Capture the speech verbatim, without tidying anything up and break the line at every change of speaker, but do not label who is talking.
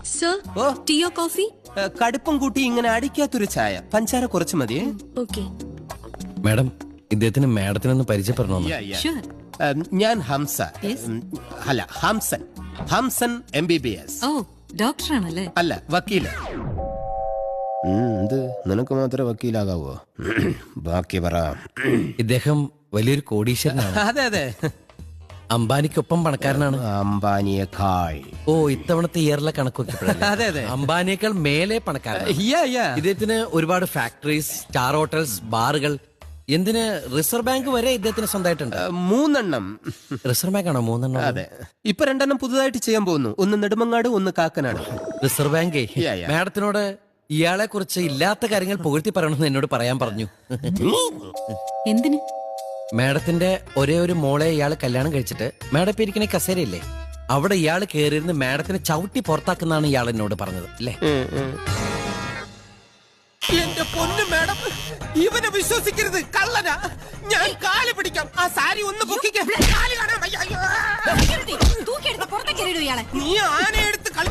Sir
ഓ
ടീയോ coffee?
ഏ, കടുപ്പം കൂട്ടി ഇങ്ങനെ അടിക്കാത്തൊരു ചായ, പഞ്ചാര കുറച്ച് മതിയേ.
ഓക്കെ.
മാഡം, ഇദ്ദേഹത്തിന് മാഡത്തിനൊന്ന് പരിചയപ്പെടണമെന്ന്.
Yeah, yeah.
ഷുവർ.
ഉം, ഞാൻ ഹംസ.
Yes.
ഉം, അല്ല, Hamsan. Hamsan M B B S.
ഓ ഡോക്ടറാണല്ലേ?
അല്ല, വക്കീല്. ഇത് നിനക്ക് മാത്രമേ വക്കീലാകാവോ? ബാക്കി പറ.
ഇദ്ദേഹം വലിയൊരു കോടീശ്വരനാണ്.
അതെ അതെ,
അംബാനിക്കൊപ്പം പണക്കാരനാണ്.
അംബാനിയേക്കാൾ.
ഓ, ഇത്തവണത്തെ ഇയറിലെ കണക്ക് നോക്കിയപ്പോഴല്ലേ?
അതെ അതെ.
അംബാനിയേക്കാൾ മേലെ പണക്കാരനാണ്.
Yeah, yeah.
ഇദ്ദേഹത്തിന് ഒരുപാട് ഫാക്ടറീസ്, സ്റ്റാർ ഹോട്ടൽസ്, ബാറുകൾ, എന്തിന് റിസർവ് ബാങ്ക് വരെ ഇദ്ദേഹത്തിന് സ്വന്തമായിട്ടുണ്ട്.
ഏ, മൂന്നെണ്ണം.
റിസർവ് ബാങ്ക് ആണോ മൂന്നെണ്ണം?
അതെ, ഇപ്പൊ രണ്ടെണ്ണം പുതുതായിട്ട് ചെയ്യാൻ പോകുന്നു. ഒന്ന് നെടുമങ്ങാട്, ഒന്ന് കാക്കനാട്.
റിസർവ് ബാങ്കേ
Yeah, yeah.
മാഡത്തിനോട് ഇയാളെ കുറിച്ച് ഇല്ലാത്ത കാര്യങ്ങൾ പുകഴ്ത്തി പറയണമെന്ന് എന്നോട് പറയാൻ പറഞ്ഞു.
എന്തിന്?
മാഡത്തിന്റെ ഒരേ ഒരു മോളെ ഇയാള് കല്യാണം കഴിച്ചിട്ട് മാഡം ഇപ്പൊ ഇരിക്കണ കസേരയില്ലേ, അവിടെ ഇയാള് കയറിയിരുന്ന് മാഡത്തിനെ ചവിട്ടി പുറത്താക്കുന്നാണ് ഇയാൾ എന്നോട് പറഞ്ഞത് അല്ലേ?
എന്റെ പൊന്നു മാഡം, ഇവനെ വിശ്വസിക്കരുത്, കള്ളനാ. ഞാൻ കാല് പിടിക്കാം. ആ സാരി ഒന്ന് പൊക്കിക്കാം. കാല് കാണാൻ വയ്യ. അയ്യോ.
തൂക്കിയെടുത്ത് പുറത്തേക്ക് എറിയിടൂ ഇയാളെ.
നീ ആനയെടുത്ത് കളി